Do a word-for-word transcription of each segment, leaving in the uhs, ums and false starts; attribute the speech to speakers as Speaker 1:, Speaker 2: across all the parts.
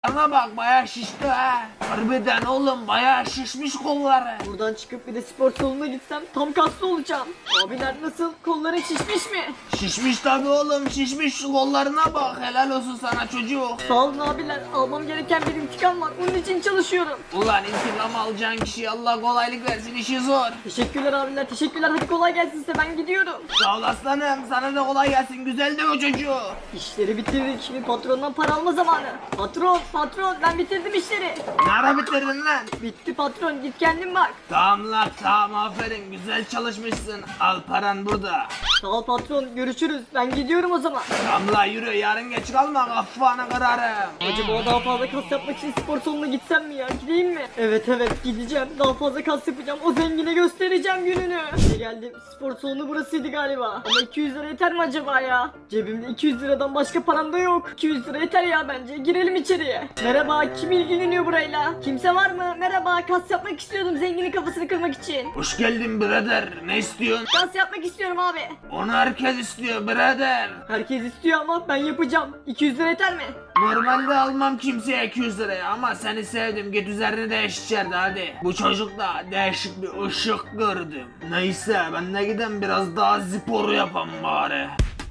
Speaker 1: Bana bak bayağı şişti ha. Harbiden oğlum bayağı şişmiş kolları.
Speaker 2: Buradan çıkıp bir de spor salonuna gitsem tam kaslı olacağım. Abiler nasıl? Kolların şişmiş mi?
Speaker 1: Şişmiş tabi oğlum şişmiş, şu kollarına bak, helal olsun sana çocuk.
Speaker 2: Sağ olun abiler. Almam gereken bir intikam var. Onun için çalışıyorum.
Speaker 1: Ulan intikam alacağın kişiye Allah kolaylık versin, işi zor.
Speaker 2: Teşekkürler abiler. Teşekkürler. Hadi kolay gelsin size. Ben gidiyorum.
Speaker 1: Sağ ol aslanım, sana da kolay gelsin, güzel de o çocuğu.
Speaker 2: İşleri bitirdik. Şimdi patrondan para alma zamanı. Patron, patron ben bitirdim işleri.
Speaker 1: Ne ara bitirdin lan?
Speaker 2: Bitti patron. Git kendin bak.
Speaker 1: Tamam lan tamam, aferin, güzel çalışmışsın, al paran burada.
Speaker 2: Sağ ol patron. Görüşürüz. Ben gidiyorum o zaman.
Speaker 1: Tamam lan yürü, yarın geç kalma, kafanı kırarım.
Speaker 2: Acaba daha fazla kas yapmak için spor salonuna gitsem mi ya? Gideyim mi? Evet evet gideceğim. Daha fazla kas yapacağım. O zengine göstereceğim gününü. İşte geldim. Spor salonu burasıydı galiba. Ama iki yüz lira yeter mi acaba ya? Cebimde iki yüz liradan başka param da yok. iki yüz lira yeter ya bence. Girelim içeriye. Merhaba, kim ilgileniyor burayla? Kimse var mı? Merhaba, kas yapmak istiyordum zenginin kafasını kırmak için.
Speaker 1: Hoş geldin birader, ne istiyorsun?
Speaker 2: Kas yapmak istiyorum abi.
Speaker 1: Onu herkes istiyor birader.
Speaker 2: Herkes istiyor ama ben yapacağım. iki yüz lira yeter mi?
Speaker 1: Normalde almam kimseye iki yüz liraya ama seni sevdim, git üzerini değiş içeride hadi. Bu çocukla değişik bir ışık gördüm. Neyse ben de gidem biraz daha spor yapam bari.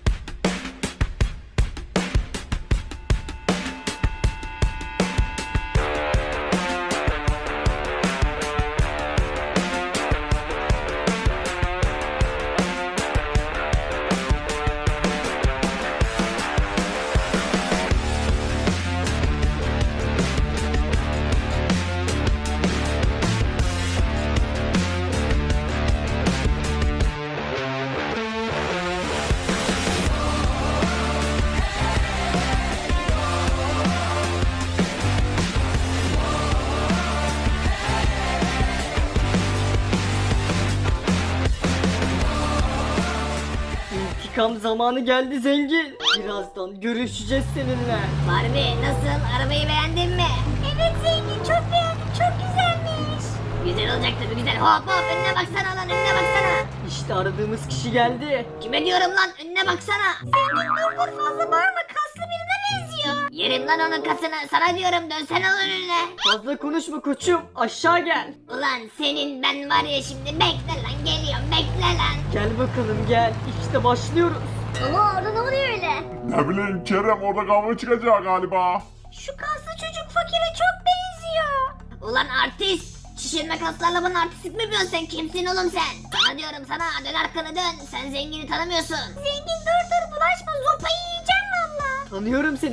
Speaker 2: İntikam zamanı geldi zengin. Birazdan görüşeceğiz seninle.
Speaker 3: Barbie nasıl? Arabayı beğendin mi? Evet zengin çok beğendim çok güzelmiş. Güzel olacak tabii güzel. Hop hop önüne baksana lan önüne baksana.
Speaker 2: İşte aradığımız kişi geldi.
Speaker 3: Kime diyorum lan önüne baksana. Zengin dur dur fazla bağırma kaslı birine benziyor. Yerim lan onun kasını sana diyorum dönsene lan önüne.
Speaker 2: Fazla konuşma koçum, aşağı gel.
Speaker 3: Ulan senin ben var ya şimdi bekle lan geliyorum bekle lan.
Speaker 2: Gel bakalım gel, işte başlıyoruz.
Speaker 3: Ama orada ne oluyor öyle?
Speaker 4: Ne bileyim Kerem, orada kavga çıkacak galiba.
Speaker 3: Şu kaslı çocuk fakire çok benziyor. Ulan artist. Şişirme kaslarla bana artistlik mi yapıyorsun sen? Kimsin oğlum sen? Sana diyorum sana dön arkanı dön. Sen zengini tanımıyorsun. Zengin dur dur bulaşma zopayı yiyeceğim valla.
Speaker 2: Tanıyorum seni.